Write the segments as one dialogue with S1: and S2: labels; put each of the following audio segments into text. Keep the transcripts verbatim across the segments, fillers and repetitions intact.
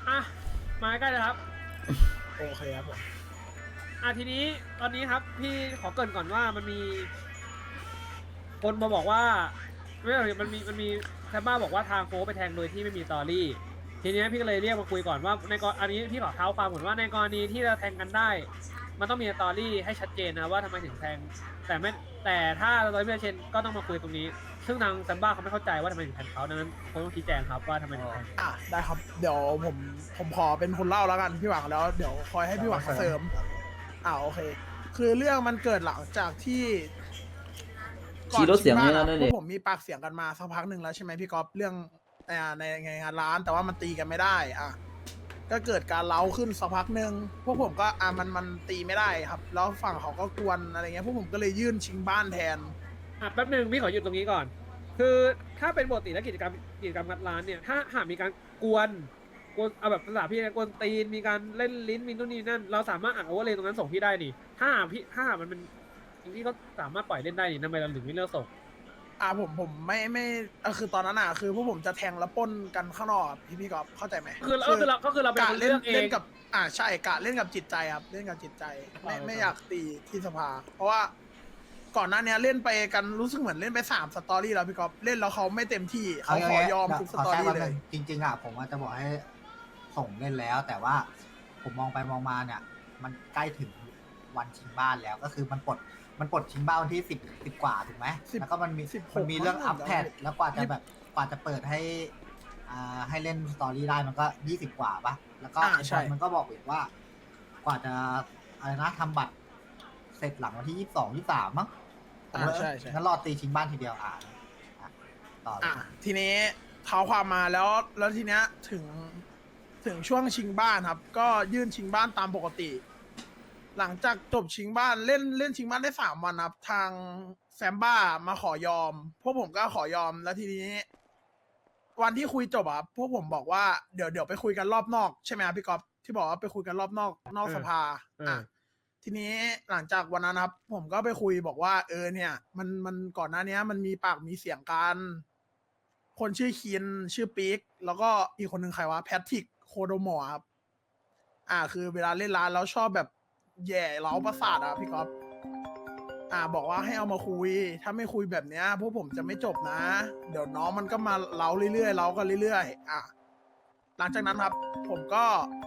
S1: อ่ะมาใกล้เลยครับ
S2: โอเคครับผม
S1: อ่ะทีนี้ตอนนี้ครับพี่ขอเกริ่นก่อนว่ามันมีคนมาบอกว่าไม่ใช่มันมีมันมีแซมบ้าบอกว่าทางโฟไปแทงโดยที่ไม่มีสตอรี่ทีนี้พี่ก็เลยเรียกมาคุยก่อนว่าในกรณีอันนี้พี่ขอเท้าความก่อนว่าในกรณีที่เราแทงกันได้ มันต้องมีสตอรี่ให้ชัดเจนนะว่าทำไมถึงแทงแต่ไม่แต่ถ้าเราไม่ชัดเจนก็ต้องมาคุยตรงนี้ซึ่งทางแซมบ้าเขาไม่เข้าใจว่าทำไมถึงแทงเขาดังนั้นเขาต้องชี้แจงครับว่าทำไมถึงแทง
S2: อ่ะได้ครับเดี๋ยวผมผมขอเป็นคนเล่าแล้วกันพี่หวังแล้วเดี๋ยวคอยให้พี่หวังเสริมอ่าโอเค คือเรื่องมันเกิดหลังจากที่
S3: ขี่รถเสียงนี่นะ
S2: พ
S3: นั่น
S2: ว
S3: เอก ง
S2: ผมมีปากเสียงกันมาสักพักหนึ่งแล้วใช่ไหมพี่ก๊อฟเรื่องอ่าในในงานร้านแต่ว่ามันตีกันไม่ได้อ่ะก็เกิดการเล้าขึ้นสักพักหนึ่งพวกผมก็อ่ามันมันตีไม่ได้ครับ แล้วฝั่งเขาก็กวนอะไรเงี้ยพวกผมก็เลยยื่นชิงบ้านแทน
S1: อ่ะแป๊บหนึ่งพี่ขอหยุดตรงนี้ก่อน คือถ้าเป็นปกติและกิจกรรมกิจกรรมงัดร้านเนี่ยถ้าหากมีการกวนกวนเอาแบบภาษาพี่นะกวนตีนมีการเล่นลิ้นมีนู่นนี่นั่นเราสามารถอ่านโอเวอร์เลยตรงนั้นส่งพี่ได้นี่ถ้าหากพี่ถ้าหากมันเป็นพี่ก็สามารถปล่อยเล่นได้นี่ทำไมเราถึงไม่เลือกส่ง
S2: อ่าผมผมไม่ไม่เออคือตอนนั้นอ่ะคือพวกผมจะแทงแล้วปล้นกันข้างนอกอะพี่พี่ก๊อฟเข้าใจไหม
S1: คือเราก็คือเราก็คือเราเป็น
S2: กะ
S1: คน
S2: เล่
S1: เลื
S2: น
S1: อกเอ
S2: เล่น
S1: ง
S2: กับอ่าใช่กะเล่นกับจิตใจครับเล่นกับจิตใจไม่
S1: เออ
S2: ไม่อยากตีที่สภา เพราะว่าก่อนหน้านี้เล่นไปกันรู้สึกเหมือนเล่นไปสามสตอรี่แล้วพี่ก๊อฟเล่นแล้วเขาไม่เต็มที่เขาขอยอมทุกสตอรี่เลย
S4: จริงๆอ่ะผมว่าจะบอกให้ส่งเล่นแล้ว แต่ว่าผมมองไปมองมาเนี่ย มันใกล้ถึงวันชิงบ้านแล้วก็คือมันปลดมันปลดชิงบ้านวันที่สิบสิบกว่าถูกไหม
S2: สิบ
S4: แล้วก็มันมี
S2: สิบหก
S4: มันมีเรื่อง
S2: มั้ง
S4: อัพแพด
S2: เดี๋ยว
S4: แล้วกว่าจะแบบกว่าจะเปิดให้อ่าให้เล่นสตอรี่ได้มันก็ยี่สิบกว่าปะแล้วก็
S2: อ่า
S4: ไอ้
S2: ใช่
S4: บอลมันก็บอกอีกว่า กว่าจะอะไรนะทำบัตรเสร็จหลังวันที่ยี่สิบสองยี่สิบสามมั้ง
S2: อ่าใช่ใช่
S4: งั้นรอตีชิงบ้านทีเดียวอ่าอ่ะต่อเลย
S2: อ่ะทีนี้เท้าความมาแล้วแล้วทีเนี้ยถึงถึงช่วงชิงบ้านครับ ก็ยื่นชิงบ้านตามปกติ หลังจากจบชิงบ้านเล่นเล่นชิงบ้านได้สามวันครับทางแซมบ้ามาขอยอม พวกผมก็ขอยอมแล้วทีนี้ วันที่คุยจบอ่ะพวกผมบอกว่าเดี๋ยวเดี๋ยวไปคุยกันรอบนอกใช่ไหมครับพี่ก๊อฟที่บอกว่าไปคุยกันรอบนอกนอกสภา
S1: เอออ่
S2: อ่ะทีนี้หลังจากวันนั้นครับ ผมก็ไปคุยบอกว่า เออเนี่ย มันมันก่อนหน้านี้มันมีปากมีเสียงกัน คนชื่อคินชื่อปิ๊กแล้วก็อีกคนหนึ่งใครวะแพทริกโคโดมอร์ครับอ่า คือเวลาเล่นร้านแล้วชอบแบบแย่เล้าประสาทอ่ะพี่ก๊อฟอ่า บอกว่าให้เอามาคุย ถ้าไม่คุยแบบเนี้ยพวกผมจะไม่จบนะ เดี๋ยวน้องมันก็มาเล้าเรื่อยๆเล้ากันเรื่อยๆอ่ะหลังจากนั้นครับ ผมก็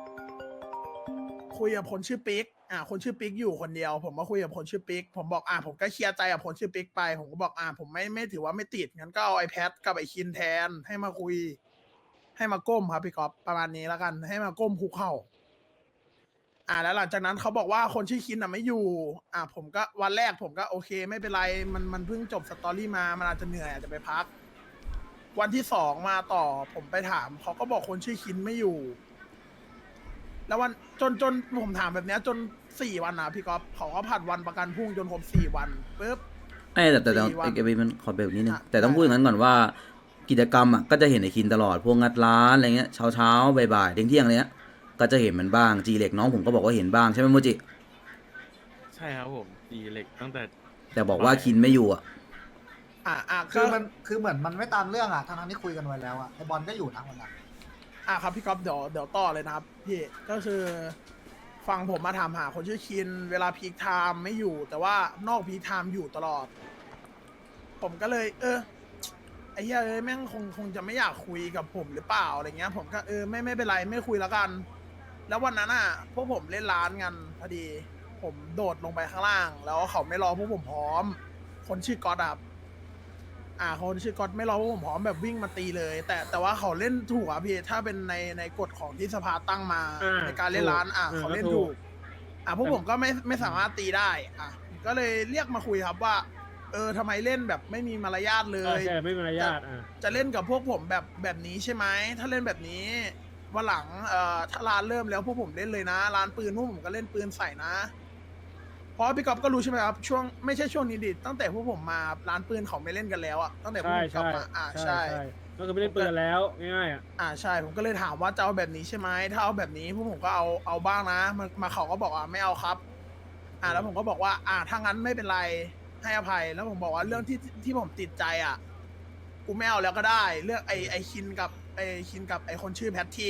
S2: คุยกับคนชื่อปิ๊กอ่าคนชื่อปิ๊กอยู่คนเดียว ผมมาคุยกับคนชื่อปิ๊กผมบอกอ่าผมก็เคลียร์ใจกับคนชื่อปิ๊กไป ผมก็บอกอ่าผมไม่ไม่ถือว่าไม่ติดงั้นก็เอาไอแพดกับไอคินแทนให้มาคุย ให้มาก้มครับพี่ก๊อฟประมาณนี้แล้วกัน ให้มาก้มคุกเข่าอ่าแล้วหลังจากนั้นเขาบอกว่าคนชื่อคินอ่ะไม่อยู่ อ่าผมก็วันแรกผมก็โอเค ไม่เป็นไรมันมันเพิ่งจบสตอรี่มามันอาจจะเหนื่อยอาจจะไปพัก วันที่สองมาต่อผมไปถามเขาก็บอกคนชื่อคินไม่อยู่ แล้ววันจนจนผมถามแบบเนี้ยจนสี่วันนะพี่ก๊อฟเขาก็ผัดวันประกันพรุ่งจนครบสี่วันปุ๊บ
S3: ไอ้แต่แต่แต่
S2: สี่วัน
S3: ไอ้เกมมันขอเบรกนิดนึง
S2: อ่ะ
S3: แต่ต้องพูดอย่างนั้นก่อนว่า กิจกรรมอ่ะก็จะเห็นไอ้คินตลอดพวกงัดร้านอะไรเงี้ยเช้าเช้าๆบ่ายๆเที่ยงเที่ยงๆอะไรเงี้ยก็จะเห็นมันบ้างจีเหล็กน้องผมก็บอกว่าเห็นบ้างใช่ไหมโมจิ
S5: ใช่ครับผมตีเหล็กตั้งแต่
S3: แต่บอกว่าคินไม่อยู่อ่ะ
S2: อ่าอ่า
S4: คื
S2: คือ อ
S4: มันคือเหมือนมันไม่ตามเรื่องอ่ะทั้งๆที่คุยกันไว้แล้วอ่ะไอบอลก็อยู่นะวันนั้น
S2: อ่าครับพี่ก๊อฟเดี๋ยวเดี๋ยวต่อเลยนะครับพี่ก็คือฟังผมมาถามหาคนชื่อคิน เวลาพีคไทม์ไม่อยู่ แต่ว่านอกพีคไทม์อยู่ตลอด ผมก็เลย เออไอ้เหี้ยเอ้ยแม่งคงคงจะไม่อยากคุยกับผมหรือเปล่าอะไรเงี้ย ผมก็เออไม่ไม่เป็นไรไม่คุยแล้วกัน แล้ววันนั้นอ่ะพวกผมเล่นร้านกันพอดี ผมโดดลงไปข้างล่าง แล้วเขาไม่รอพวกผมพร้อม คนชื่อก๊อตอะ อ่าคนชื่อก๊อตไม่รอพวกผมพร้อมแบบวิ่งมาตีเลย แต่แต่ว่าเขาเล่นถูกอ่ะพี่ถ้าเป็นในในกฎของที่สภาตั้งมา
S1: อ่า
S2: ในการเล่นร้านอ่ะ
S1: ถูก
S2: เขาเล่น
S1: ก็ถู
S2: ถู
S1: ก
S2: ก อ่ะพวกผมก็ไม่ไม่สามารถตีได้ อ่ะก็เลยเรียกมาคุยครับว่า เออทำไมเล่นแบบไม่มีมารยาทเล
S1: เออย ใช่ไม่มีมารยาทอ่ะ
S2: จะเล่นกับพวกผมแบบแบบนี้ใช่ไหมถ้าเล่นแบบนี้วันหลังเอ่อถ้าร้านเริ่มแล้วพวกผมเล่นเลยนะร้านปืนพวกผมก็เล่นปืนใส่นะ เพราะพี่ก๊อฟก็รู้ใช่ไหมครับช่วงไม่ใช่ช่วงนี้ดิตั้งแต่พวกผมมาร้านปืนเขาไม่เล่นกันแล้วอ่ะตั้งแต่พวก
S1: ใช่
S2: ผมกลับ
S1: ใช่
S2: มาอ่า
S1: ใช่
S2: ใช่
S1: ใช่ก็คือไม่เล่นปืนกันแล้วง่ายๆอ่ะ
S2: อ่าใช่ผมก็เลยถามว่าจะเอาแบบนี้ใช่ไหมถ้าเอาแบบนี้พวกผมก็เอาเอาบ้างนะมามาเขาก็บอกว่าไม่เอาครับ อ่าแล้วผมก็บอกว่า อ่าถ้างั้นไม่เป็นไรให้อภัยแล้วผมบอกว่าเรื่องที่ที่ผมติดใจอ่ะกูไม่เอาแล้วก็ได้ เรื่องไอไอคินกับไอคินกับไอคนชื่อแพทริก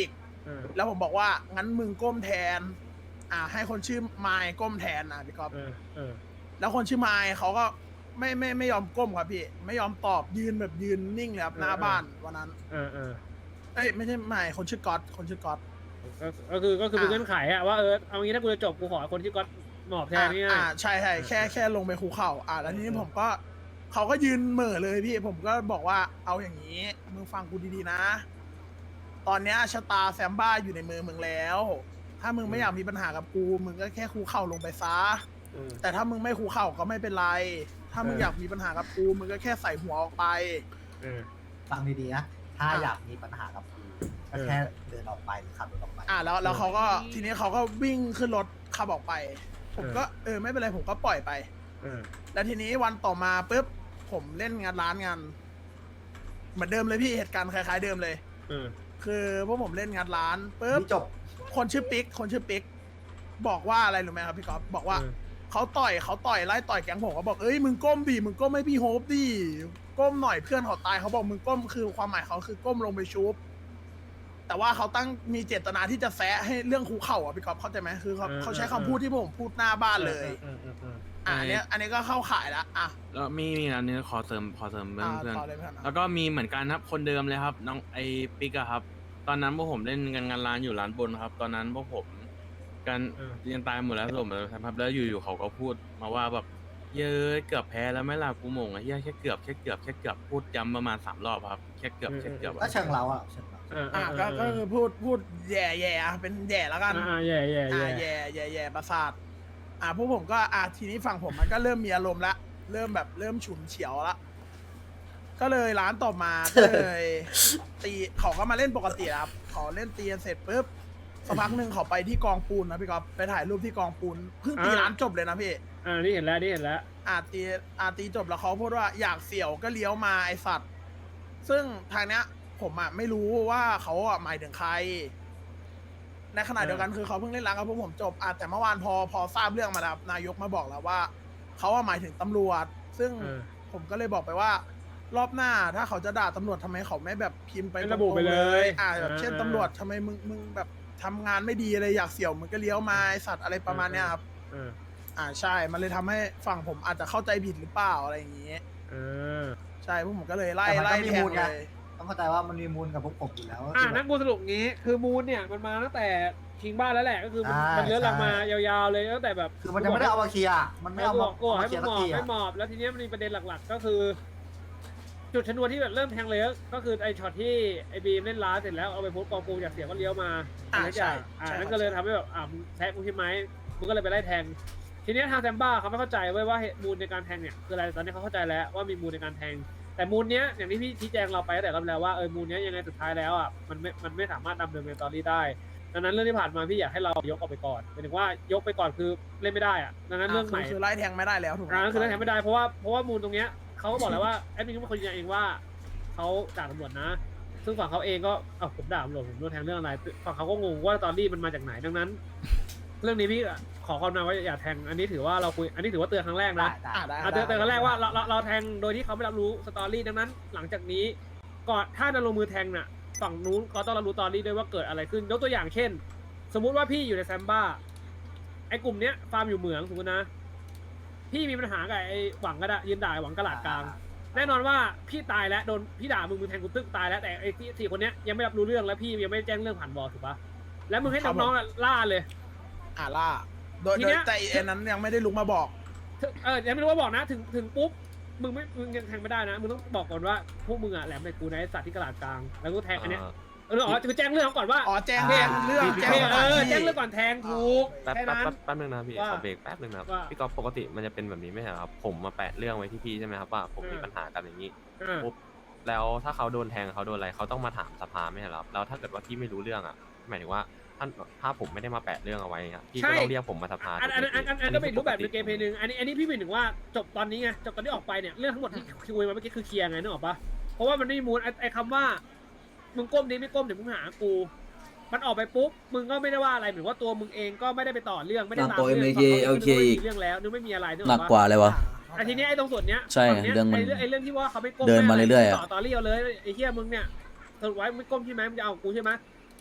S1: เออ
S2: แล้วผมบอกว่างั้นมึงก้มแทน อ่า ให้คนชื่อไมค์ก้มแทนนะพี่ก๊อฟ
S1: เออเออ
S2: แล้วคนชื่อไมค์เขาก็ไม่ไม่ไม่ยอมก้มครับพี่ ไม่ยอมตอบยืนแบบยืนนิ่งเลยครับหน้าบ้านวันนั้น
S1: เออเออ
S2: เอ้ยไม่ใช่ไมค์คนชื่อก๊อตคนชื่อก๊อต
S1: ก็ก็คือก็คือเป็น
S2: อ่ะ
S1: เงื่อนไขอะว่าเออเอางี้ถ้ากูจะจบกูขอคนที่ก๊อตหมอบแทนนี่
S2: อ่า
S1: ง่าย
S2: ใช่ใช่แค่แค่ลงไปคูเข่าอ่าแล้วทีนี้ผมก็เขาก็ยืนเหม่อเลยพี่ผมก็บอกว่าเอาอย่างนี้มึงฟังกูดีๆนะ ตอนเนี้ยชะตาแซมบ้าอยู่ในมือมึงแล้ว ถ้ามึงไม่อยากมีปัญหากับกู มึงก็แค่คูเข่าลงไปซะ
S1: เออ
S2: แต่ถ้ามึงไม่คูเข่าก็ไม่เป็นไร ถ้ามึง
S1: เออ
S2: อ
S1: อ
S2: ยากมีปัญหากับกู มึงก็แค่ใส่หัวออกไป
S1: เออ
S4: ฟังดีๆนะ ถ้า
S2: อ่ะ
S4: อยากมีปัญหากับกูก็
S1: เออ
S4: แค่เดินออกไปหรือขับรถออกไป
S2: อ่าแล้วแล้วเขาก็ทีนี้เขาก็วิ่งขึ้นรถขับออกไป ผมก็เออไม่เป็นไรผมก็ปล่อยไป
S1: เออ
S2: แล้วทีนี้วันต่อมาปุ๊บผมเล่นงานร้านงานเหมือนเดิมเลยพี่เหตุการณ์คล้ายๆเดิมเลย
S1: เออ
S2: คือพวกผมเล่นงานร้านปุ๊บ
S4: นี่จบ
S2: คนชื่อปิ๊กคนชื่อปิ๊กบอกว่าอะไรรู้ไหมครับพี่ก๊อฟบอกว่า
S1: เออ
S2: เขาต่อยเขาต่อยไล่ต่อยแก๊งผมเขาบอกเอ้ยมึงก้มดิมึงก้มให้พี่โฮปดิก้มหน่อยเพื่อนเขาตายเขาบอกมึงก้มคือความหมายเขาคือก้มลงไปชุบ แต่ว่าเขาตั้งมีเจตนาที่จะแซะให้เรื่องคูเข่าอ่ะพี่ก๊อฟเข้าใจไหมคือเขา
S1: เออ
S2: เขาใช้
S1: เออ
S2: คำพูดที่ผมพูดหน้าบ้านเลย
S1: เออเออเออ
S2: อ่ะอันเนี้ยอันนี้ก็เข้าข่ายละอ่ะ
S5: แล้วมีมีอันนี้ขอเสริมขอเสริมเพื่อน
S2: อ่า
S5: เพื่อน
S2: ต่อเลยเพื่อน
S5: แล้วก็มีเหมือนกันครับคนเดิมเลยครับน้องไอปิกอะครับ ตอนนั้นพวกผมเล่นกันงานร้านอยู่ร้านบนครับ ตอนนั้นพวกผมกัน
S1: เออ
S5: เรียนตายหมดแล้วผมเลยครับแล้วอยู่ๆเขาก็พูดมาว่าแบบเย้ยเกือบแพ้แล้วไหม่ล่ะกูโมงอะเฮียแค่เกือบแค่เกือบแค่เกือบพูดย้ำประมาณสามรอบครับแค่เกือบแค่เกือบ
S4: ก็เชิงเราอ่ะเชิงเรา
S1: เออเอ
S2: อ่ะ
S1: อ
S2: ก็ก็คือพูดพูดแย่แย่อ่ะเป็นแย่แล้วกัน
S1: อ่าแย่แย่
S2: อ่า
S1: แย่
S2: แย่แย่แย่ประสาทอ่าพวกผมก็อ่าทีนี้ฝั่งผมมันก็เริ่มมีอารมณ์ละเริ่มแบบเริ่มฉุนเฉียวละก็เลยร้านต่อมาก็เลย ตีเขาก็มาเล่นปกติครับเขาเล่นตีกันเสร็จปุ๊บสักพักหนึ่งเขาไปที่กองปูนนะพี่ก๊อฟไปถ่ายรูปที่กองปูนเพิ่งตีร้านจบเลยนะพี่
S1: อ่านี่เห็นแล้วนี่เห็นแล้ว
S2: อาตีอาตีจบแล้วเขาพูดว่าอยากเสี่ยวก็เลี้ยวมาไอสัตว์ ซึ่งทางเนี้ย ผมอ่ะไม่รู้ว่าเขาอ่ะหมายถึงใคร ในขณะเดียวกันคือเขาเพิ่งเล่นร้านกับพวกผมจบอ่ะแต่เมื่อวานพอพอทราบเรื่องมาแล้วนายกมาบอกแล้วว่าเขาอ่ะหมายถึงตำรวจ ซึ่ง
S1: เออ
S2: ผมก็เลยบอกไปว่า รอบหน้าถ้าเขาจะด่าตำรวจทำไมเขาไม่แบบพิมพ์ไป
S1: ไม่ระบุไปเลย
S2: อ่าแบบเช่น
S1: อ่า
S2: ตำรวจทำไมมึงมึงแบบทำงานไม่ดีอะไรอยากเสี่ยวมึงก็เลี้ยวมาไอสัตว์อะไรประมาณเนี้ยครับ
S1: เออ
S2: อ่าใช่ มันเลยทำให้ฝั่งผมอาจจะเข้าใจผิดหรือเปล่าอะไรอย่างงี้
S1: เออ
S2: ใช่พวกผมก็เลยไล่
S4: แต่มัน
S2: ไล่
S4: ก็มี
S2: แท
S4: มู
S2: ง
S4: ล
S2: เล
S4: ไง
S2: ย
S4: ต้องเข้าใจว่ามันมีมูลกับพวกผมอยู่แล้ว
S1: อ่า
S4: คือ
S1: นั
S4: แบบ
S1: กบูสรุปงี้ คือมูนเนี่ยมันมาตั้งแต่คิงบ้านแล้วแหละ ก็คือมัน
S4: ใช่
S1: มันเลื้อนหลังมา
S4: ใช่
S1: ยาวๆเลยตั้งแต่แบบ
S4: คือมันยังไม่ได้เอามาเคลียร์มันไม่
S1: ไม่
S4: เอา
S1: บ
S4: มา
S1: อกกู
S4: เอา
S1: ให้
S4: มาเคลี
S1: มึ
S4: ยร์
S1: ง
S4: สั
S1: ห
S4: ก
S1: มอบ
S4: ที
S1: ไม่
S4: อะ
S1: หมอบ แล้วทีเนี้ยมันมีประเด็นหลักๆ ก็คือ จุดชนวนที่แบบเริ่มแทงเลยก็คือไอช็อตที่ไอบีมเล่นล้าเสร็จแล้วเอาไปโพสต์กองปูจากเสียงก็เลี้ยวมา
S2: อ่า
S1: อะไรอย่าง
S2: ใช่
S1: อ่า
S2: ใช่
S1: นั่น
S2: ครับ
S1: ก็เลยทำให้แบบอ่ามึงแทงกูใช่ไหมมึงก็เลยไปไล่แทง ทีเนี้ยทางแซมบ้าเขาไม่เข้าใจเว้ยว่าเหตุมูลในการแทงเนี่ยคืออะไรตอนนี้เขาเข้าใจแล้วว่ามีมูลในการแทง แต่มูลเนี้ยอย่างที่พี่ชี้แจงเราไปตั้งแต่รอบแล้วว่าเออมูลเนี้ยยังไงสุดท้ายแล้วอ่ะมันไม่มันไม่สามารถดำเนินเป็นตอรี่ได้ดังนั้นเรื่องที่ผ่านมาพี่อยากให้เรายกออกไปก่อนหมายถึงว่ายกไปก่อนคือเล่นไม่ได้อ่ะดังนั้นเรื่องใหม่
S2: คือคือไล่แทงไม่ได้แล้วถูกไหม
S1: อ่านั่นคือเรื่องแทงไม่ได้เพราะว่าเพราะว่ามูลตรงเนี้ยเขาก็บอกแล้วว่าแอดมินก็เป็นคนยืนยันเองว่าเขาด่าตำรวจนะ ซึ่งฝั่งเขาเองก็เอ้าผมด่าตำรวจผมโดนแทงเรื่องอะไรฝั่งเขาก็งงว่าตอรี่มันมาจากไหนดังนั้น เรื่องนี้พี่ขอความนาว่าอย่าแทงอันนี้ถือว่าเราคุยอันนี้ถือว่าเตือนครั้งแรก
S4: ได้
S1: นะ
S4: ได้
S2: อ่าได้
S1: อ่ะเตือนเตือนครั้งแรกว่าเราเราเราแทงโดยที่เขาไม่รับรู้สตอรี่ดังนั้น หลังจากนี้ก่อนถ้าจะลงมือแทงน่ะฝั่งนู้นก็ต้องรับรู้สตอรี่ด้วยว่าเกิดอะไรขึ้นยกตัวอย่างเช่น สมมุติว่าพี่อยู่ในแซมบ้าไอ้กลุ่มเนี้ยฟาร์มอยู่เหมืองสมมตินะ พี่มีปัญหากับไอ้หวังก็ได้ยืนด่าไอ้หวังกระหลาดกลาง แน่นอนว่าพี่ตายแล้วโดนพี่ด่ามึงมึงแทงกูตึ๊กตายแล้วแต่ไอ้ที่สี่คนเนี้ยยังไม่รับรู้เรื่องแล้วพี่ยังไม่ได้แจ้งเรื่องผ่านบอถูกปะแล้วมึงให้น้องๆอ่ะล่าเลย
S2: อ่าล่าโดย
S1: ที
S2: โด
S1: เนี้
S2: ย
S1: ย
S2: แต่เอ็นนั้นยังไม่ได้ลุกมาบอก
S1: ถึงเออยังไม่รู้ว่าบอกนะถึงถึงปุ๊บมึงไม่มึงยังแทงไม่ได้นะมึงต้องบอกก่อนว่าพวกมึงอ่ะแหลมในกูนะไอ้สัตว์ที่กระหลาดกลางแล้วก็แทงอันเนี้ยเอออ๋อคือแจ้งเรื่องเขาก่อนว่า
S2: อ๋อแจ้ง
S4: อ่า
S2: แจ้งเรื่อง
S5: พี่
S2: แจ้ง
S1: เอ
S2: สถาน
S1: อ
S2: ที่
S1: แจ้งเรื่องก่อนแทงถูก
S5: แป๊บ
S1: แค่
S5: แป๊บ
S1: นั้น
S5: แป๊บแป๊บนึงนะครับพี่
S1: ว่า
S5: ขอเบรกแป๊บนึงนะครับ
S1: ว่า
S5: พี่ก๊อฟปกติมันจะเป็นแบบนี้ไม่ใช่เหรอครับผมมาแปะเรื่องไว้ที่พี่ใช่ไหมครับว่าผมมี
S1: อืม
S5: ปัญหากันอย่างนี้
S1: เออ
S5: ปุ๊บแล้วถ้าเขาโดนแทงเขาโดนอะไรเขาต้องมาถามสภาไม่ใช่เหรอครับแล้วถ้าเกิดว่าพี่ไม่รู้เรื่องอ่ะหมายถึงว่าท่านถ้าผมไม่ได้มาแปะเรื่องเอาไว้อะพี่ก็ต้องเรียกผมมาสภา
S1: อันอันอันอันอันก็เป็นรูปแบบในเกมเพลย์ห
S5: นึง
S1: นึ่งอันนี้อันนี้พี่หมายถึงว่าจบตอนนี้ไงจบตอนที่ออกไปเนี่ยเรื่องทั้งหมดที่คุยมาเมื่อกี้คือเคลียร์ไงนึกออกปะเพราะว่ามันไม่มีมูลไอ้ไอ้คำว่ามึงก้มดีไม่ก้มเดี๋ยวมึงหากูมันออกไปปุ๊บมึงก็ไม่ได้ว่าอะไรเหมือนว่าตัวมึงเองก็ไม่ได้ไปต่อเรื่องไม่ได้ตาม
S3: หนักกว่า
S1: เรื่อง
S3: เอ็ม เค
S1: ฝั่ง
S3: โอเค
S1: ขา
S3: อีก
S1: มีเรื่องแล้วนึกไม่มีอะไรนึกอ
S3: หนั
S1: อก ก
S3: กว่า
S1: ปะ
S3: เลยวะ
S1: แต่ทีนี้ไอ้ตรงส่วนเนี้ย
S3: ใช่
S1: ฝั่งนี้ย
S3: เรื่องมัน
S1: ไอ้เรื่องไอ้เรื่องที่ว่าเขาไม่ก้ม
S3: เดินมาเรื่อยๆอะ
S1: ต่อต่อเรี่ยวเลยไอ้เหี้ยมึงเนี่ยสรุปไว้ไม่ก้มใช่ไหมมึงจะเอากูใช่ไหม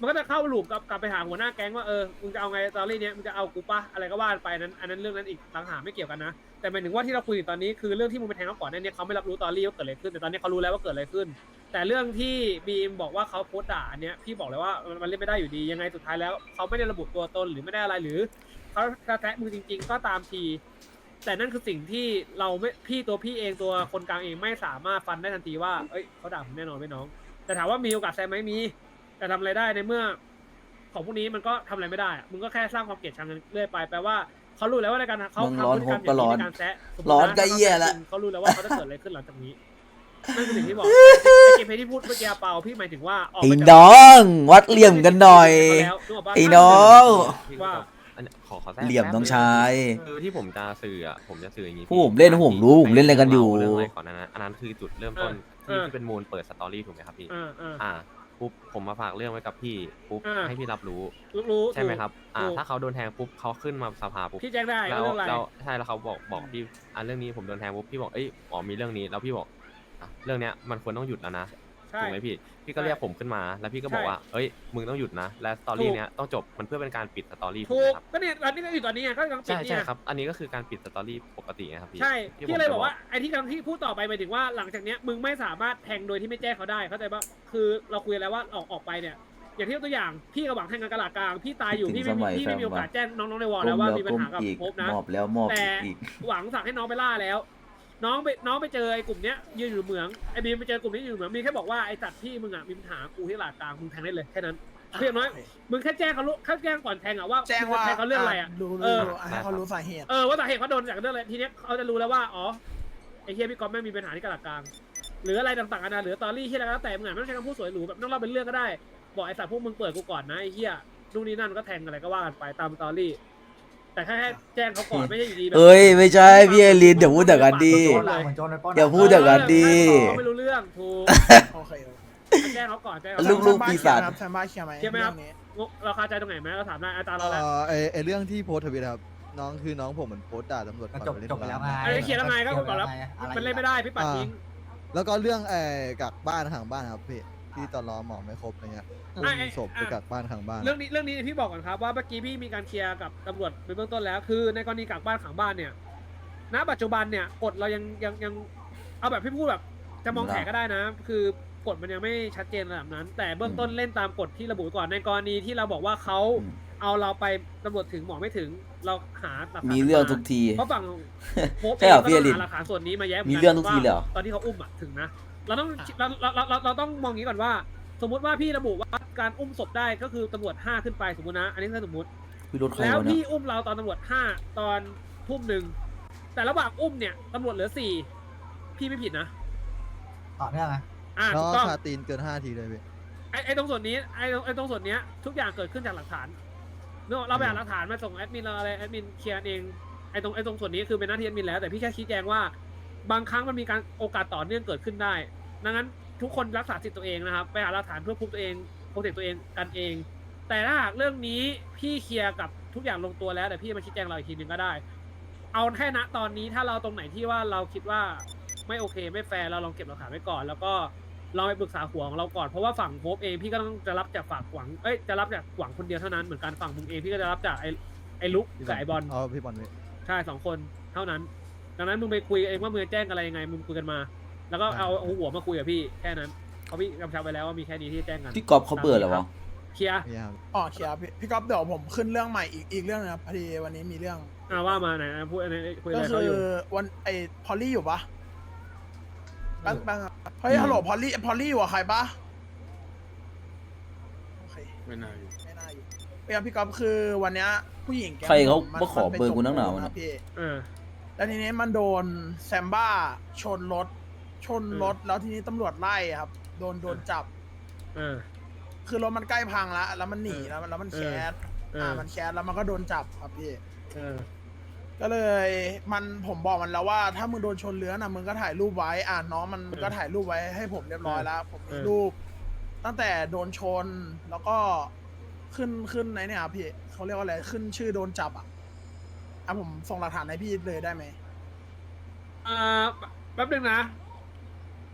S1: มันก็จะเข้าลูปกลับกลับไปหาหัวหน้าแก๊งว่าเออมึงจะเอาไงตอรี่เนี้ยมึงจะเอากูปะอะไรก็ว่าไปนั้นอันนั้นเรื่องนั้นอีกต่างหากไม่เกี่ยวกันนะแต่หมายถึงว่าที่เราคุยอยู่ตอนนี้คือเรื่องที่มึงไปแทงเขาก่อนหน้านี้เขาไม่รับรู้ตอรี่ว่าเกิดอะไรขึ้นแต่ตอนนี้เขารู้แล้วว่าเกิดอะไรขึ้น แต่เรื่องที่บีมบอกว่าเขาโพสต์ด่าอันเนี้ยพี่บอกเลยว่ามันเล่นไม่ได้อยู่ดียังไงสุดท้ายแล้วเขาไม่ได้ระบุตัวตนหรือไม่ได้อะไรหรือเขาจะแทะมือจริง ๆ ก็ตามทีแต่นั่นคือสิ่งที่เราไม่พี่ตัวพี่เองตัวคนกลางเองไม่สามารถฟันได้ทันทีว่าเอ้ยเขาด่าผมแน่นอนไม่น้องแต่ถามว่ามีโอกาสแซงไหมมีแต่ทำอะไรได้ในเมื่อของพวกนี้มันก็ทำอะไรไม่ได้อะมึงก็แค่สร้างความเกลียดชังกันเรื่อยไปแปลว่าเขารู้แล้วว่าในการเขา
S3: มึง
S1: ทำ
S3: ร้อน
S1: พฤติกรรม
S3: ผมก็ร้
S1: อย่าง
S3: อน
S1: นี้ในการแซะสมมุติ
S3: ร้อน
S1: นะ
S3: ก็เหี้ยละ
S1: เขารู้แล้วว่าเขาจะเกิดอะไรขึ้นหลังจากนี้นั่นคือสิ่งที่บอกไอ้เกมเพลย์ที่พูดเมื่อกี้เปาพี่หมายถึงว่าออก
S3: ไอ้
S1: มาจาก
S3: น้องวัดเหลี่ยมกันหน่อย
S1: แล้วนึกกปะ
S3: ไอ้น้อง
S1: ว่า
S6: อันเนี้ยขอขอแทรก
S3: เหลี่ยมน้องชาย
S6: คือที่ผมจะสื่ออ่ะผมจะสื่ออย่างนี้
S3: ผู้ผมเล่นผมรู้ผมเล่นอะไรกันอยู่
S6: เรื่องอะไรก่อนนะนะอันนั้นคือจุดเริ่มต้น
S1: เอ
S6: ที่
S1: อ
S6: ที่เป็นมูลเปิดสตอรี่ถูกไหมครับพี่
S1: อ่าอ่า
S6: อ่าปุ๊บผมมาฝากเรื่องไว้กับพี่ปุ๊บ
S1: อ่า
S6: ให้พี่รับรู้
S1: รู้รู้
S6: ใช่ไหมครับอ่า
S1: ถูก
S6: ถ้าเขาโดนแทงปุ๊บเขาขึ้นมาสภาปุ๊บ
S1: พี่แจ้งได้
S6: แล้
S1: ว่าว เรื่องอะไร
S6: แล้วใช่แล้วเขาบอกบอกพี่อ่าเรื่องนี้ผมโดนแทงปุ๊บพี่บอกเอ้ยอ๋อมีเรื่องนี้แล้วพี่บอกอ่ะเรื่องเนี้ยมันควรต้องหยุดแล้วนะ
S1: ใช่
S6: ถูกไหมพี่ พี่ก็เรียกผมขึ้นมา แล้วพี่ก็บอก
S1: ใช่
S6: ว่า เอ้ย มึงต้องหยุดนะ และสตอรี่
S1: ถูก
S6: เนี้ยต้องจบ มันเพื่อเป็นการปิดสตอรี่ถู
S1: ถู
S6: กไห
S1: ก
S6: มครับ
S1: ก็เนี่ยตอนนี้ก็อยู่ตอนนี้ไงก็กำลังปิด
S6: ใช่
S1: เนี่
S6: ใช่
S1: ย
S6: ครับ อันนี้ก็คือการปิดสตอรี่ปกตินะครับพี่
S1: ใช่
S6: ที่
S1: พี่
S6: ผม
S1: เลย
S6: จะ
S1: บอกว่าไอ้ที่กำลังที่พูดต่อไปหมายถึงว่าหลังจากเนี้ยมึงไม่สามารถแทงโดยที่ไม่แจ้งเขาได้เข้าใจปะคือเราคุยแล้วว่าออกออกไปเนี่ยอย่างที่ยกตัวอย่างพี่กับหวังแทงกันกระหลาดกลางพี่ตายอยู่
S3: ถึง
S1: พี่ไม่มี
S3: สมัย
S1: พี่ไม่มี
S3: แฟน
S1: โอกาส
S3: วะ
S1: แจ้งน้องๆในวอล
S3: ก้
S1: แล้ว
S3: ม
S1: ว่า
S3: แล้ว
S1: มีปัญ
S3: ก้ม
S1: หากับ
S3: อีก
S1: ภพนะ
S3: มอบแล้วมอบ
S1: แต่
S3: อีก
S1: หวังสั่งให้น้องไปล่าแล้ว น้องไปน้องไปเจอไอ้กลุ่มเนี้ยยืนอยู่เหมืองไอ้บีมไปเจอกลุ่มนี้อยู่เหมืองมีแค่บอกว่าไอ้จัดพี่มึงอ่ะมีปัญหากูที่หลาดกลางมึงแทงได้เลยแค่นั้นเพียงน้อยมึงแค่แจ้งเขารู้แค่แจ้งก่อนแทงอ่ะว่า
S2: แจ้งว่า
S1: มึจะแทงเขาเรื่องอะไรอ่ะ
S2: รู้
S1: เอ
S2: รู้
S1: อ
S2: อ่ะให้เขารู้สาเหตุ
S1: เออว่าสาเหตุเขาโดนจากเรื่องอะไรทีเนี้ยเขาจะรู้แล้วว่าอ๋อไอ้เฮียพี่ก๊อฟแม่งมีปัญหาที่กระหลักกลางหรืออะไรต่างๆกันานะหรือตอรี่ที่อะไรก็แล้วแต่มึงอ่ะไม่ต้องใช้คำพูดสวยหรูแบบต้องเล่าเป็นเรื่องก็ได้บอกไอ้สัตว์พวกมึงเปิดกูก่อนนะไอ้เฮียนู่นนี่นั่นก็แทงอะไรก็ว่ากันไปตามตอรี่ แต่แค่แจ้งเขาก่อนไม่ใช่อยู่ดีแบบ
S3: เอ้ยไม่ใช่พี่เอลินเดี๋ยวพูดแต่กันดี
S4: โจรอะเหมือนโจรในปล้นอะ
S3: เดี๋ยวพูด แต่กันดี
S1: เขาไม่รู้เรื่องถูก
S2: โอเค
S1: แจ้งเขาก่อนแจ้งเขา
S3: ลู
S1: ก่อน
S3: กๆปีศาจ
S2: แซมบ้าเคลียร์ไหม
S1: เคลียร์ไหมครับ
S2: เองนี้
S1: เราคาใจตรงไหนไหมเราถามได้อาจารย์
S7: เอ่
S1: เราแล้ว
S7: อไอไอเรื่องที่โพสต์ทวิตครับน้องคือน้องผมเหมือนโพสต์ด่าตำรวจ
S4: ก็
S7: ก่อน
S4: จบ
S7: ไปเล่น
S4: จบไปแล้วไง
S1: อันนี้เคลียร์แล้วไงก็ก่อนแล้ว
S4: อะไร
S1: มันเล่นไม่ได้พี่ปัดทิ้ง
S7: แล้วก็เรื่องไอกักบ้านขังบ้านครับพี่ที่ตอนรอหมอไม่ครบอะไรเงี้ย
S1: อ่ะ
S7: อุ้มศพไปกักบ้านขังบ้าน
S1: เรื่องนี้เรื่องนี้พี่บอกก่อนครับว่าเมื่อกี้พี่มีการเคลียร์กับตำรวจไปเบื้องต้นแล้ว คือในกรณีกักบ้านขังบ้านเนี่ย ณ ปัจจุบันเนี่ยกฎเรายังยังยังเอาแบบพี่พูดแบบจะมองแผลก็ได้นะ คือกฎมันยังไม่ชัดเจนระดับนั้น แต่เบื้องต้นเล่นตามกฎที่ระบุไว้ก่อนในกรณีที่เราบอกว่าเขา
S3: อืม
S1: เอาเราไปตำรวจถึงหมอไม่ถึงเราหาหลักฐาน
S3: มีเรื่องทุกที
S1: เพราะฝั่งโพสต์
S3: ใช่เหรอ
S1: เองก็
S3: พี่
S1: ต้อง
S3: อลิน
S1: หาหลักฐานส่วนนี้มาแย้
S3: มีเรื่องทุกทีเลยเหรอ
S1: ว่าตอนที่เขาอุ้มอะถึงนะเราต้องเราเราเราเราเราต้องมองอย่างนี้ก่อนว่า สมมุติว่าพี่ระบุว่าการอุ้มศพได้ก็คือตำรวจห้าขึ้นไปสมมตินะ อันนี้คือสมมติ
S3: พี่รถใคร
S1: แล้ว
S3: วะเนี่
S1: พี่
S3: ย
S1: อุ้มเราตอนตำรวจห้าตอนทุ่มหนึ่งแต่ระหว่างอุ้มเนี่ยตำรวจเหลือสี่พี่ไม่ผิดนะ
S4: ต่อเนื่องไง
S1: อ่า
S7: แล้ว
S1: ถูก
S7: ก็
S1: ต้อง
S7: คาตีนเกินห้าทีเลยพี่
S1: ไอ้ไอ้ตรงส่วนนี้ไอ้ไอ้ตรงส่วนเนี้ยทุกอย่างเกิดขึ้นจากหลักฐานเนอะเราไปหาหลักฐานมาส่งแอดมินเราอะไรแอดมินเคลียร์เองไอ้ตรงไอ้ตรงส่วนนี้คือเป็นหน้าที่แอดมินแล้วแต่พี่แค่ชี้แจงว่า บางครั้งมันมีการโอกาสต่อเนื่องเกิดขึ้นได้ดังนั้นทุกคนรักษาสิทธิ์ตัวเองนะครับไปหาหลักฐานเพื่อพูดตัวเองโปรเทคตัวเองกันเอง แต่ถ้าหากเรื่องนี้พี่เคลียร์กับทุกอย่างลงตัวแล้วแต่พี่มาชี้แจงเราอีกทีหนึงก็ได้ เอาแค่ณตอนนี้ถ้าเราตรงไหนที่ว่าเราคิดว่าไม่โอเคไม่แฟร์เราลองเก็บหลักฐานไว้ก่อน แล้วก็เราไปปรึกษาหัวของเราก่อนเพราะว่าฝั่งโพบเองพี่ก็ต้องจะรับจากฝั่งหวังเอ้ยจะรับจากหวังคนเดียวเท่านั้นเหมือนกันฝั่งมึงเองพี่ก็จะรับจากไอ้ไอ้ลุกกับไอ้บอล
S7: เอาพี่บอลพี่
S1: ใช่สองคนเท่านั้น ดังนั้นมึงไปคุยเองว่ามึงจะแจ้งอะไรยังไงมึงคุยกันมา แล้วก็เอาเอาหัวมาคุยกับพี่แค่นั้นเพราะพี่กำชับไปแล้วว่ามีแค่นี้ที่จะแจ้งกัน
S3: พี่กอบเขาเบื่อเหรอวะ
S1: เคลียร์
S7: พี่ครับ
S2: อ๋อเคลียร์พี่พี่ก๊อฟเดี๋ยวผมขึ้นเรื่องใหม่อีกอีกเรื่องนึงครับพอดีวันนี้มีเรื่อง
S1: อ่าว่ามาไหนนะพูดอะไรคุยอะ
S2: ก็
S1: ไร
S2: คื
S1: เขา
S2: อ
S1: อยู่
S2: วันไอพอลลี่อยู่ปะแป๊บแป๊บครับเฮ้ยฮัลโหลพอลลี่พอลลี่อยู่กับใครปะโอเค
S5: ไม่น่าอยู่
S2: ไม่น่าอยู่เปียพี่ก๊อฟคือวันเนี้ยผู้หญิงแก๊ง
S3: ใครเขา
S2: ผมน
S3: มาขอ
S2: ไป
S3: เบอร์กูนักหนาวะ
S2: จ
S3: เนี่ย
S2: พี่
S1: อ่า
S2: แล้วทีนี้มันโดนแซมบ้าชนรถ ชนรถแล้วทีนี้ตำรวจไล่ครับ โดนโดนจับ
S1: อ่า
S2: คือรถมันใกล้พังแล้วแล้วมันหนี
S1: เออ
S2: แล้วแล้วมัน
S1: เอ
S2: แค
S1: อ
S2: ส
S1: เอออ่
S2: อ่ามันแคสแล้วมันก็โดนจับครับพี่
S1: เออ
S2: ก็เลยมันผมบอกมันแล้วว่าถ้ามึงโดนชนเรือนะมึงก็ถ่ายรูปไว้อ่าน้องมัน
S1: เออ
S2: ก็ถ่ายรูปไว้ให้ผมเรียบร้อยแล้ว ผมมี
S1: เออ
S2: รูป ตั้งแต่โดนชนแล้วก็ขึ้นขึ้นไหนเนี่ยครับพี่เขาเรียกว่าอะไรขึ้นชื่อโดนจับอ่ะอ่ะผมส่งหลักฐานให้พี่เลยได้ไหม
S1: อ่าแป๊บนึงนะ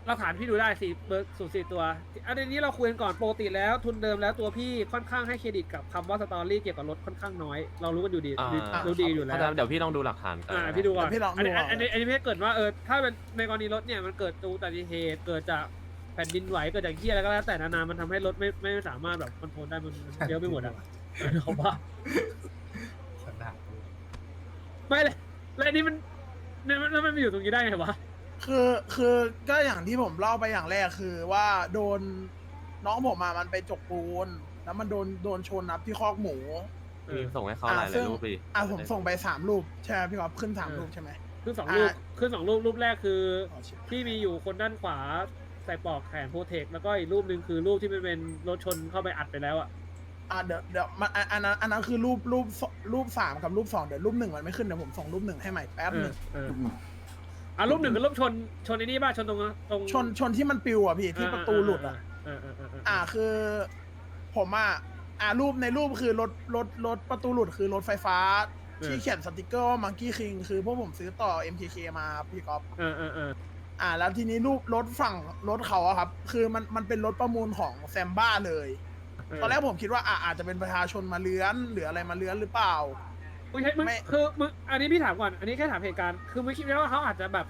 S1: หลักฐานพี่ดูได้สี่เบอร์สูตรสี่ตัวอันนี้เราคุยกันก่อนปกติแล้วทุนเดิมแล้วตัวพี่ค่อนข้างให้เครดิตกับคำว่าสตอรี่เกี่ยวกับรถค่อนข้างน้อย เรารู้กันอยู่ดี
S6: อ่า
S1: รู้ดีอยู่แล้ว
S6: เดี๋ยวพี่ต้องดูหลักฐานกัน
S1: อ่าพี่ดูก่อน
S2: เดี๋ยวพี่ลองดู
S1: อันนี้
S2: ก่อน
S1: อันนี้อันนี้พี่ให้เกิดว่าเออถ้าเป็นในกรณีรถเนี่ยมันเกิดอุบัติเหตุเกิดจากแผ่นดินไหวเกิดจากเหี้ยอะไรก็แล้วแต่นานามันทำให้รถไม่ไม่สามารถแบบคอนโทรลได้มันมันเลี้ยวไม่หมดอ่ะเขาว่า
S4: ขนาด
S1: ไม่เลยแล้วอันนี้มันเนี่ยมันแล้วมันมาอยู่ตรงนี้ได้ไงวะ
S2: คือคือก็อย่างที่ผมเล่าไปอย่างแรกคือว่าโดนน้องผมมามันไปจกปูน แล้วมันโดนโดนชนนับที่คอกหมู
S6: มีส่งให้เขาหลายห
S2: ซึ่
S6: ลาง ยรูปดิ
S2: อ่ะผมส่งไปสามรูปใช่ไหมพี่ก๊อฟขึ้นสามรูปใช่ไหม
S1: ขึ้นสองรูป
S2: อ่า
S1: ขึ้นสองรูปรูปแรกคือ
S2: อ๋อชิบ
S1: ที่มีอยู่คนด้านขวาใส่ปลอกแขนโปรเทคแล้วก็อีกรูปหนึ่งคือรูปที่มันเป็นรถชนเข้าไปอัดไปแล้วอ่ะ
S2: อ่ะเดี๋ยวเดี๋ยวมันอันอันนั้นอันนั้นคือรูปรูปสรูปสามกับรูปสองเดี๋ยวรูปหนึ่งมันไม่ขึ้นเดี๋ยวผมส่งรูปหนึ่งให้ใหม่แป๊บ
S1: เอ
S2: ห
S1: อ
S2: นึ่ง
S1: เอออ่ะรูปหนึ่งกับรูปชนชนไอ้นี่ป่ะชนตรงตรง
S2: ชนชนที่มันปิวอ่ะพี่ที่ประตูหลุดอ่ะ
S1: เออเออเออเออ
S2: อ่าคือผมอ่ะอ่ารูปในรูปคือรถรถรถประตูหลุดคือรถไฟฟ้า ที่เขียนสติกเกอร์ว่ามังกี้คิงคือพวกผมซื้อต่อ เอ็ม เค เค มาครับพี่ก๊อฟ
S1: เออเออเออ
S2: อ่า แล้วทีนี้รูปรถฝั่งรถเขาอะครับ คือมันมันเป็นรถประมูลของแซมบ้าเลย ตอนแรกผมคิดว่าอ่ะอาจจะเป็นประชาชนมาเลื้อนหรืออะไรมาเลื้อนหรือเปล่า
S1: ไม่ใช่มึง
S2: ไม่
S1: คือมึงอันนี้พี่ถามก่อน อันนี้แค่ถามเหตุการณ์คือมึงคิดไหมว่าเขาอาจจะแบบ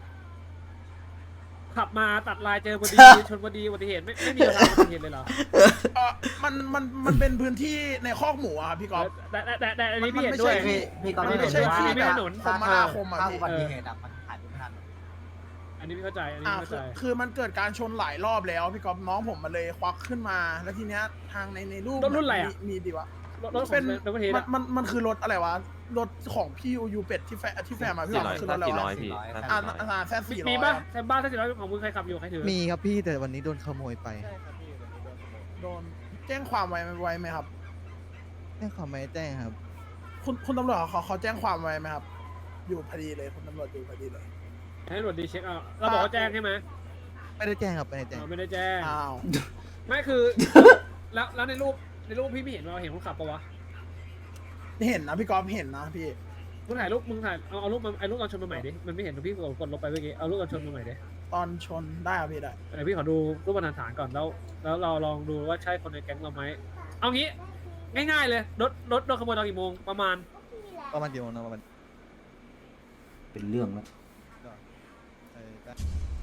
S1: ขับมาตัดลายเจอพอดี ชนพอดีอุบัติเหตุไม่ไม่มีเวลาอุบัติเหตุเลยเหรอ
S2: เออมันมันมันเป็นพื้นที่ในคอกหมูอะครับพี่ก๊อฟ
S1: แต่แต่แต่แต่อันนี้
S2: มัน
S1: พี่เห็น
S2: ไม่
S1: ด้วย
S2: ใช่
S4: พี่พี่ก็
S2: มัน
S4: ไม่
S2: ไม่
S4: เห็น
S2: ใช่
S4: ว่า
S2: ที่
S1: ไม่
S2: แบ
S1: ถ
S2: บ
S1: นน
S2: คมนาคมอะ
S4: ถ้า
S2: พี่
S4: อุบัติเหตุอะมันหายไปไม่ทัน
S1: อันนี้พี่เข้าใจ อันนี้
S2: อ่า
S1: เข้า
S2: คื
S1: ใจ
S2: อคือมันเกิดการชนหลายรอบแล้วพี่ก๊อฟน้องผมมาเลยควักขึ้นมา แล้วทีเนี้ยทางในในรูป
S1: รถรุ่นอะไรอะ
S2: มีมีดีวะ
S1: รถรถ
S2: เป็น
S1: รถประเทศ
S2: มันมันมันคือรถอะไรวะรถของพี่อูยูเป็ดที่แฟที่แฟนมาพี่
S6: สี่
S2: บอก
S6: ร้อย
S2: มันคือรถอะไร
S6: สี่ร้
S2: วะ
S6: อยพี่
S2: อ่า
S6: สี่ร้อย
S2: อ่าแซสี่ร้
S1: มี
S2: อย
S1: ป่ะแซมบ้าถ้าสิบร้อยของมึงใครขับอยู่ใครถือ
S7: มีครับพี่แต่วันนี้โดนขโมยไป
S2: โดนแจ้งความไว้ไว้ไหมครับ
S7: แจ้งความไม่แจ้งครับ
S2: คุณคุณตำรวจเขาเขาแจ้งความไว้ไหมครับ อยู่พอดีเลยคุณตำรวจอยู่พอดีเลย
S1: ให้ตำรวจดีเช็คเอาเราบอกว่าแจ้งใช่ไหม
S7: ไม่ได้แจ้งครับไม่ได้แจ้ง
S1: อ๋อไม่ได้แจ้ง
S2: อ้าว
S1: ไม่คือ แล้วแล้วในรูปในรูปพี่ไม่เห็นว่าเห็นคนขับปะวะ
S2: เห็นนะพี่กอล์ฟเห็นนะพี่
S1: มึงถ่ายรูปมึงถ่ายเอาเอารูปมาไอ้รูปตอนชนมาใหม่ดิมันไม่เห็นพี่กดลบไปเมื่อกี้เอารูปตอนชนมาใหม่ดิ
S2: ตอนชนได้ครับพี่ได้
S1: เดี๋ยวพี่ขอดูรูปบรรทัดฐานก่อนแล้ว แล้วเราลองดูว่าใช่คนในแก๊งเราไหมเอางี้ง่ายๆเลยรถรถโดนขโมยตอนกี่โมงประมาณ
S7: ประมาณกี่โมงนะประมาณ
S3: เป็นเรื่องแล้ว
S7: เออได้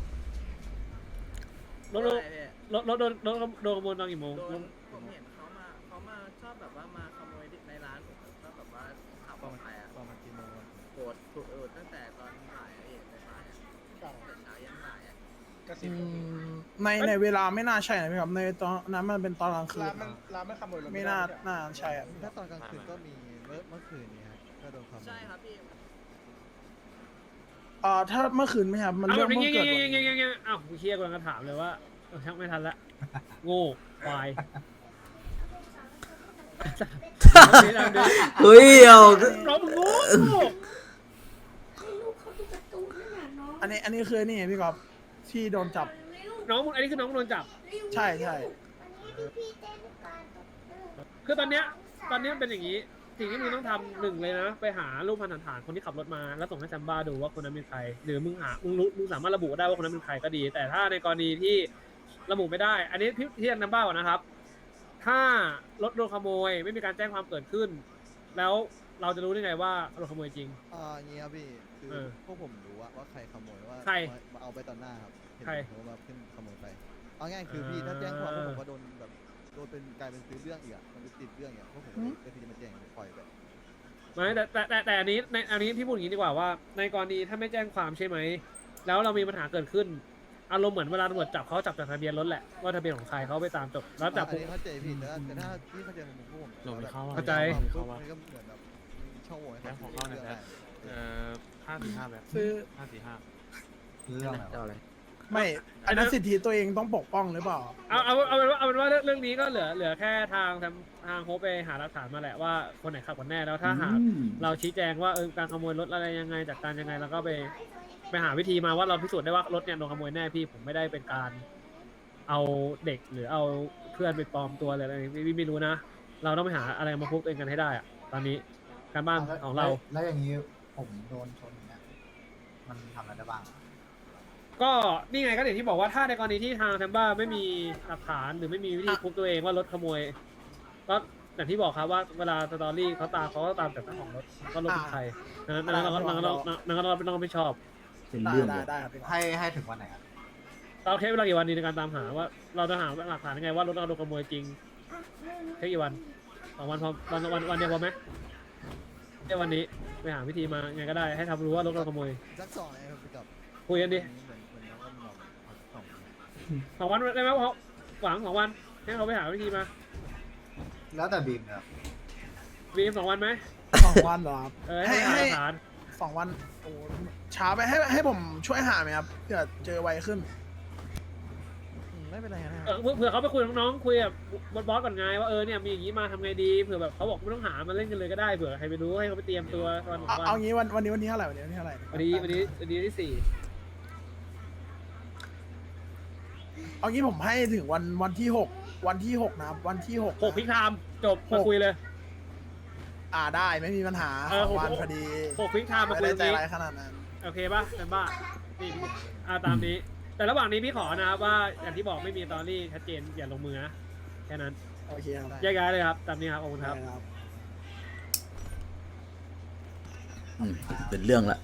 S1: รถรถรถรถโดนรถโดนขโมยตอนกี่โมง
S8: โดนผมเห็นเขามาเขามาชอบแบบว่ามาขโมยในร้านผมชอบแบบว่าขับออกไปอ่ะ
S7: ประมาณกี่โมงวะ
S8: โกรธถูกเออตั้งแต่ตอนบ่ายอะพี่ในบ่ายอะตั้งแต่เช้ายันบ่ายอะ
S2: อืมในในเวลาไม่น่าใช่นะพี่ครับในตอนนั้นมันเป็นตอนกลางคืน
S9: ร้านมันร้านมันขโมยรถ
S2: ไม่น่าน่าใช่อะ
S7: ถ้าตอนกลางคืนก็มีเมื่อเมื่อคืนนี้ครับก็โดนขโมย
S8: ใช่ครับพี่
S2: เอ่อถ้าเมื่อคืนไหมครับมัน
S1: เอา
S2: เรื่
S1: แบ
S2: อง
S1: บนี้
S2: เพิ่ง
S1: เงี้ย
S2: เกิด
S1: เงี้ย
S2: วัน
S1: เงี้ยเงี้ยเงี้ยอ้าวกูเคลียร์กำลังจะถามเลยว่าเออช่างไม่ทันละโง่ควาย
S3: เฮ้ยเอา
S1: น้องมึงโง่
S2: อันนี้อันนี้คือนี่ไงพี่กอล์ฟที่โดนจับ
S1: น้องมึงอันนี้คือน้องมึงโดนจับ
S2: ใช่ใช่
S1: คือตอนเนี้ยตอนเนี้ยเป็นอย่างนี้ สิ่งที่มึงต้องทำหนึ่งเลยนะ ไปหารูปพันธฐานคนที่ขับรถมาแล้วส่งให้แซมบ้าดูว่าคนนั้นเป็นใคร หรือมึงหามึงรู้มึงสามารถระบุได้ว่าคนนั้นเป็นใครก็ดี แต่ถ้าในกรณีที่ระบุไม่ได้ อันนี้พี่ที่แซมบ้าก่อนนะครับ ถ้ารถโดนขโมยไม่มีการแจ้งความเกิดขึ้น แล้วเราจะรู้ได้ไงว่าโดนขโมยจริง
S7: อ่าอย่างงี้ครับพี่คือ
S1: เออ
S7: พวกผมรู้ว่าว่าใครขโมยว่า
S1: ใคร
S7: มาเอาไปตอนหน้าครับเห็น
S1: ใคร
S7: เขามาขึ้นขโมยไปเอาง่ายคือพี่ถ้าแจ้งความพวกผมก็โดนแบบโดนเป็นกลายเป็นซื้อเรื่องอีกอะมันเป็นติดเรื่องอีกอะพวกผมก็เลยก็ที่จะมาแจ้งปล่อยไป
S1: ไม่แต่แต่แต่แต่อันนี้ในอันนี้พี่พูดอย่างนี้ดีกว่าว่า ในกรณีถ้าไม่แจ้งความใช่ไหมแล้วเรามีปัญหาเกิดขึ้น อารมณ์เหมือนเวลาตำรวจจับเขาจับจากทะเบียนรถแหละว่าทะเบียนของใครเขาไปตามจบแล้วจับ
S7: อันนี้เข้าใจผิดแต่แต่ถ้าที่เข้าใจของผมพวกผม
S5: หลบไม่เข้าอะ
S1: เข้าใจ
S7: พวกมันก็เหมือนแบบมีช่องโหว่ให้
S5: แล้
S7: เขา
S5: วของ
S7: ซื้อ
S5: เข้าใน
S7: เรื่อง
S5: แอ
S7: ได้
S5: ปเอ่อห้าสี่ห้าแบบ
S2: ซื้อ
S5: ห้าสี่ห้า
S4: เรื่องอะไรวะ
S2: ไม่อันนั้นสิทธิตัวเองต้องปกป้องหรือเปล่า
S1: เอาเอาเอาเป็นว่าเอาเป็นว่าเรื่องเรื่องนี้ก็เหลือเหลือแค่ทางทางทางโฮปไปหาหลักฐานมาแหละว่าคนไหนขับกันแน่แล้วถ้าหากเราชี้แจงว่าเออการขโมยรถอะไรยังไงจากการยังไงแล้วก็ไปไปหาวิธีมาว่าเราพิสูจน์ได้ว่ารถเนี่ยโดนขโมยแน่พี่ผมไม่ได้เป็นการเอาเด็กหรือเอาเพื่อนไปปลอมตัวอะไรอะไรพี่พี่ไม่รู้นะ เราต้องไปหาอะไรมาพูดเองกันให้ได้อะตอนนี้การบ้านของเรา
S4: แล้วอย่างนี้ผมโดนชนเนี่ยมันทำอะไรได้บ้าง
S1: กก็นี่ไงก็อย่างที่บอกว่าถ้าในกรณีที่ทางแซมบ้าไม่มีหลักฐานหรือไม่มีวิธีพบตัวเองว่ารถขโมยก็อย่างที่บอกครับว่าเวลาสตอรี่เขาตามเขาก็ตามแต่เจ้าของรถว่ารถเป็นใครดังนั้นดังนั้นเราก็ดังนั้นเราดังนั้นเราต้องไม่ชอบ
S3: เป็น
S2: ได้
S3: เรื่อง
S2: ได้
S3: เลย
S2: ได้ครับพี่กอล์ฟ
S4: ให้ให้ถึงวันไหนครับ
S1: เราใช้เวลากี่วันดีในการตามหาว่าเราจะหาหลักฐานยังไงว่ารถเราโดนขโมยจริงใช้กี่วันสองวันพอวันวันวันเดียวพอไหมแค่วันนี้ไปหาวิธีมาไงก็ได้ให้ทำรู้ว่ารถเราขโมย
S7: สักสองไงครับพี่กับ
S1: คุยกันดิ
S7: เหมือนเหมือนน้องก็มองเอาสักสอง
S1: สองวันได้ไหมเพราะหวังสองวันให้เขาไปหาวิธีมา
S4: แล้วแต่บีมครับ
S1: วีมสองวันไหม
S2: สองวันเหรอครับ
S1: เออให้หาหลักฐาน
S2: สองวันโอ้ช้าไปให้ให้ผมช่วยหาไหมครับเผื่อเจอไวขึ้น
S7: อืมไม่เป็นไรนะค
S1: เอ
S7: รับ
S1: อเผื่อเขาไปคุยกับน้องๆคุยกับบอสก่อนไงว่าเออเนี่ยมีอย่างนี้มาทำไงดีเผื่อแบบเขาบอกไม่ต้องหามาเล่นกันเลยก็ได้เผื่อใครไปรู้ให้เขาไปเตรียมตัวตอนสอง
S2: เอา
S1: วัน
S2: เอางี้วันวันนี้วันนี้เท่าไหร่วันนี้วันนี้เท่าไหร่
S1: วันนี้วันนี้วันนี้ที่สี่
S2: เอางี้ผมให้ถึงวันวันที่หกวันที่หกนะครับวันที่หก
S1: หกพิกไทม์จบมาคุยเลย
S2: อ่าได้ไม่มีปัญหา
S1: เออ
S2: สองวัน
S1: หก
S2: พอดี
S1: หกพิกไทม์มา
S2: ไม่
S1: คุย
S2: ได้
S1: ตรง
S2: ใจ
S1: นี้
S2: ร้ายขนาดนั้น
S1: โอเคป่ะแซมบ้านี่อ่าตามนี้ แต่ระหว่างนี้พี่ขอนะครับว่าอย่างที่บอกไม่มีตอรี่ชัดเจนอย่าลงมือนะแค่นั้น
S2: โอเคครับ
S1: แยกย้ายเลยครับตามนี้ครับขอบคุณครับ
S2: ได้ครับ
S3: อืมเป็นเรื่องละ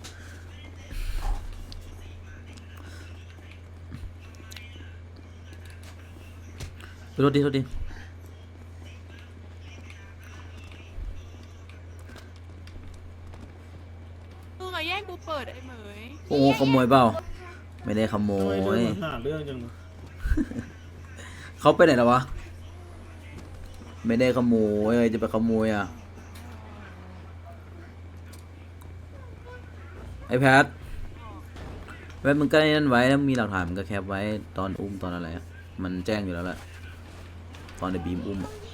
S3: โทษดีโทษดี
S9: มึงอะแย่งกูเปิดไอ้เหมย
S3: โอ้ขโมยเปล่าไม่ได้ขโมย
S1: หาเรื่องจัง
S3: เขาไปไหนแล้ววะไม่ได้ขโมยเอ้ยจะไปขโมยอ่ะไอแพทแพทมึงก็นั่นไว้แล้วมีหลักฐานมึงก็แคปไว้ตอนอุ้มตอนอะไรอะมันแจ้งอยู่แล้วแหละตอนในบีมอุ้มอะ